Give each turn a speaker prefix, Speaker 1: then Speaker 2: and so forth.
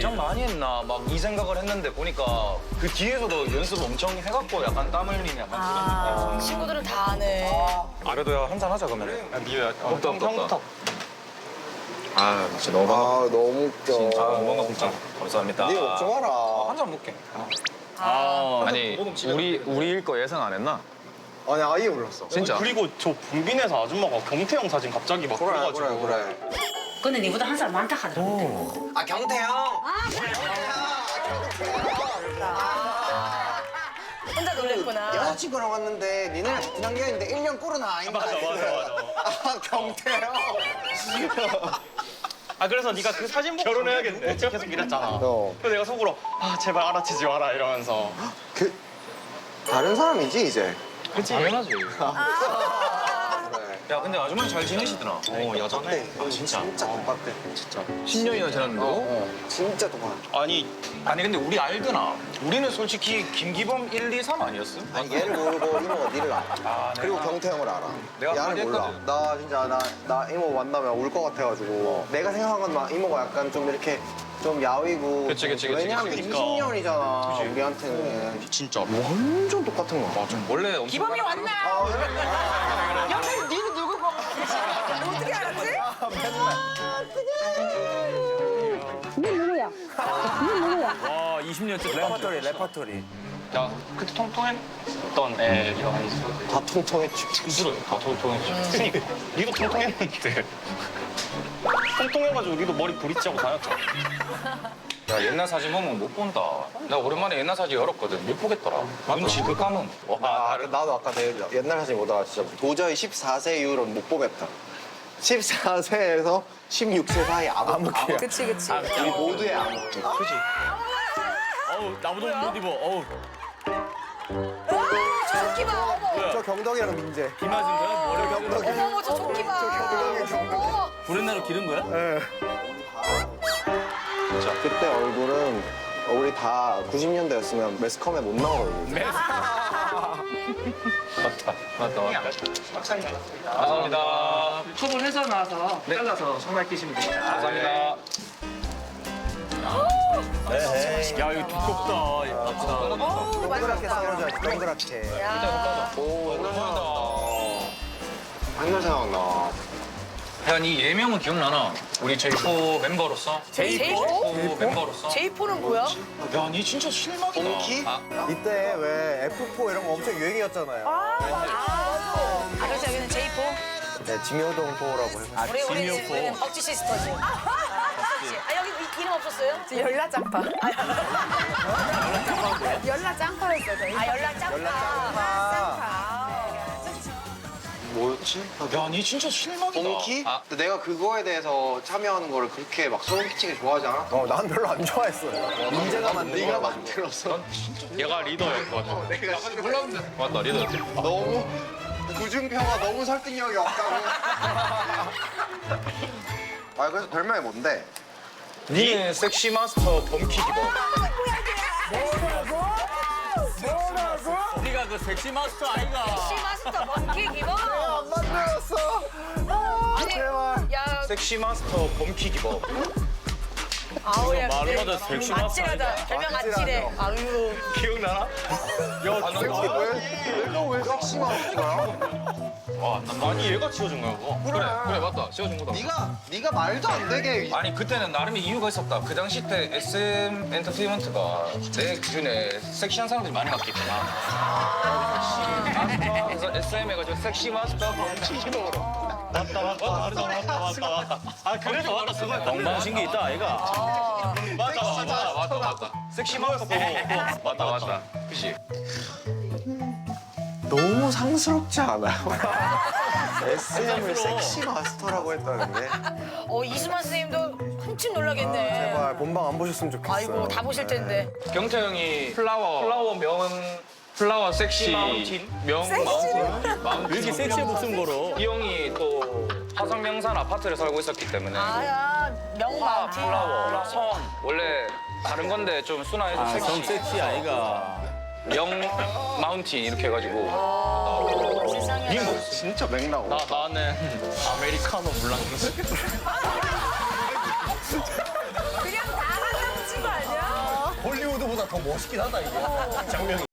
Speaker 1: 긴장 많이 했나 막 이 생각을 했는데 보니까 그 뒤에서도 연습 엄청 해갖고 약간 땀 흘리는 약간 그런
Speaker 2: 친구들은 다 아네.
Speaker 1: 그래도 한잔 하자 그러면.
Speaker 3: 미유야.
Speaker 1: 없다.
Speaker 3: 아 진짜 너무
Speaker 4: 아 너무 웃겨.
Speaker 1: 뭔가 진짜 감사합니다.
Speaker 4: 네 걱정 마라.
Speaker 1: 한잔 먹게.
Speaker 3: 아니 우리일 거 예상 안 했나?
Speaker 4: 아니 아예 몰랐어.
Speaker 3: 진짜?
Speaker 5: 그리고 저 분빈에서 아줌마가 경태형 사진 갑자기 막
Speaker 4: 그래
Speaker 5: 불러가지고
Speaker 4: 그래.
Speaker 6: 근데 니보다 한 살 많다 하더라고.
Speaker 4: 아 경태 형.
Speaker 2: 혼자 놀랬구나.
Speaker 4: 여자친구랑 왔는데 니네랑 같은 학년인데 1년 꼴은 아닌가?
Speaker 5: 맞아.
Speaker 4: 아 경태 형.
Speaker 5: 아 그래서 네가 그 사진 보고 결혼해야겠네 계속 이랬잖아.
Speaker 4: 어.
Speaker 5: 그래서 내가 속으로 아 제발 알아채지 마라 이러면서
Speaker 4: 그 다른 사람이지 이제.
Speaker 1: 당연하지.
Speaker 4: 그래.
Speaker 1: 야 근데 아줌마 잘 지내시더라.
Speaker 5: 여전해.
Speaker 4: 아 진짜 똑같대.
Speaker 5: 진짜.
Speaker 3: 10년이나 지났는데도?
Speaker 4: 진짜 똑같아.
Speaker 5: 아니
Speaker 1: 아니 근데 우리 알드나? 우리는 솔직히 김기범 1, 2, 3 아니었어?
Speaker 4: 아니 얘를 모르고 이모가 니를 알아.
Speaker 1: 아,
Speaker 4: 그리고 경태 형을 알아.
Speaker 1: 내가
Speaker 4: 야는 몰라.
Speaker 1: 한마디
Speaker 4: 나 진짜 나 이모 만나면 울 것 같아가지고 내가 생각한 건 막 이모가 약간 좀 이렇게 좀 야위고.
Speaker 3: 그치.
Speaker 4: 왜냐면
Speaker 5: 그러니까.
Speaker 4: 20년이잖아
Speaker 5: 아,
Speaker 4: 우리한테는.
Speaker 5: 진짜.
Speaker 4: 완전 똑같은 거. 맞아.
Speaker 1: 원래 엄청
Speaker 2: 기범이 왔나? 옆에 니는 누구 봐? 어떻게 알았지?
Speaker 3: 와 20년째
Speaker 4: 레퍼토리.
Speaker 5: 야 그때 통통했던 애가 있어.
Speaker 4: 다 통통했지.
Speaker 5: 스스로 다 통통했지. 그니까 니도 통통했는데. 통통해가지고 니도 머리 브릿지하고 다녔잖아.
Speaker 1: 야 옛날 사진 보면 못 본다. 나 오랜만에 옛날 사진 열었거든. 못 보겠더라. 눈치 그 감은. 와,
Speaker 4: 나도 아까 옛날 사진 보다가 진짜 도저히 14세 이후로는 못 보겠다. 14세에서 16세 사이 암흑기야.
Speaker 2: 그치.
Speaker 4: 우리 모두의 암흑기. 그지?
Speaker 3: 어우 나보다 못 입어. 어우
Speaker 2: 저 조끼 봐. 어머.
Speaker 4: 저 경덕이랑 민재.
Speaker 3: 비 맞은 거야? 머리
Speaker 4: 경덕이.
Speaker 2: 어머 저 조끼 봐. 어머.
Speaker 3: 브랜나로 기른 거야?
Speaker 4: 자, 그때 얼굴은 우리 다 90년대였으면 매스컴에 못 나오거든요.
Speaker 1: 맞다. 감사합니다.
Speaker 6: 톱을 해서 나와서 잘라서 손발 끼시면 됩니다.
Speaker 1: 감사합니다.
Speaker 3: 야 이거 두껍다.
Speaker 4: 동그랗게 썰어줘야지, 동그랗게.
Speaker 2: 야.
Speaker 4: 오, 옛날 생각나.
Speaker 1: 야, 니 예명은 기억나나? 우리 J4 멤버로서?
Speaker 2: J4?
Speaker 1: 멤버로서?
Speaker 2: J4는 뭐야?
Speaker 1: 야, 니 진짜 실망이다.
Speaker 4: 본키?
Speaker 7: 이때 왜 F4 이런 거 엄청 유행이었잖아요.
Speaker 2: 아 그래서 여기는 J4?
Speaker 7: 네, 지묘동 4라고 해서.
Speaker 2: 우리는 억지 시스터즈. 아 여기 이름 없었어요?
Speaker 8: 열라 짱파. 열라 짱파였어요, 저희.
Speaker 2: 아 연락 짱파.
Speaker 4: 뭐였지?
Speaker 1: 야, 니 진짜 실망이다.
Speaker 4: 본키? 근데 내가 그거에 대해서 참여하는 거를 그렇게 막 소름 끼치게 좋아하지 않아?
Speaker 7: 난 별로 안 좋아했어요. 민재가 만든
Speaker 4: 네가
Speaker 7: 거.
Speaker 4: 만들었어.
Speaker 5: 얘가 리더였거든.
Speaker 4: 내가 몰랐는데
Speaker 3: 맞다 리더.
Speaker 4: 너무 구준표가 너무 설득력이 없다고. 아 그래서 별명이 뭔데?
Speaker 1: 니는 섹시 마스터 범키 기범.
Speaker 3: 네가 그 섹시 마스터 아이가.
Speaker 2: 시마스터 먼키 기범.
Speaker 4: 안 만들었어.
Speaker 2: 아니 야
Speaker 1: 섹시 마스터 범키 기범.
Speaker 2: 아우야.
Speaker 3: 말마다 섹시 마스터
Speaker 2: 아찔하다. 별명 아찔해. 아유.
Speaker 1: 기억나나? 야,
Speaker 4: 얘가 왜 섹시만 거야?
Speaker 5: 아니 얘가 지어준 거야 그거.
Speaker 3: 그래 맞다. 씌워준 거다.
Speaker 4: 네가 말도 안 되게
Speaker 1: 아니 그때는 나름의 이유가 있었다. 그 당시 때 SM 엔터테인먼트가 내 기준에 섹시한 사람들이 많이 갔겠구나. 그래서 SM 해가지고 섹시 마스터 범키 기범.
Speaker 5: 맞다. 아 그래서 맞다 쓰고
Speaker 3: 엉망신기 있다 아이가.
Speaker 1: 맞다. 섹시 마스터 보고. 맞다. 그치?
Speaker 4: 너무 상스럽지 않아요? SM을 섹시 마스터라고 했다는데?
Speaker 2: 이수만 선생님도 한층 놀라겠네.
Speaker 7: 제발 본방 안 보셨으면 좋겠어요.
Speaker 2: 아이고 다 보실 텐데.
Speaker 1: 경태 형이 플라워 섹시 명 마운틴.
Speaker 3: 왜 이렇게 섹시해 목숨 걸어?
Speaker 1: 이 형이 또 화성 명산 아파트를 살고 있었기 때문에
Speaker 2: 아야 명마운틴.
Speaker 1: 플라워 성 원래 다른 건데 좀 순화해서
Speaker 3: 성
Speaker 1: 섹시
Speaker 3: 섹시 아이가.
Speaker 1: 명 마운틴 이렇게 해가지고
Speaker 2: 세상에.
Speaker 1: 뭐
Speaker 4: 진짜 맥락 없어.
Speaker 5: 나는 아메리카노 물랑
Speaker 2: 그냥 다 한남 치고
Speaker 7: 헐리우드보다 더 멋있긴 하다 이게 장면이.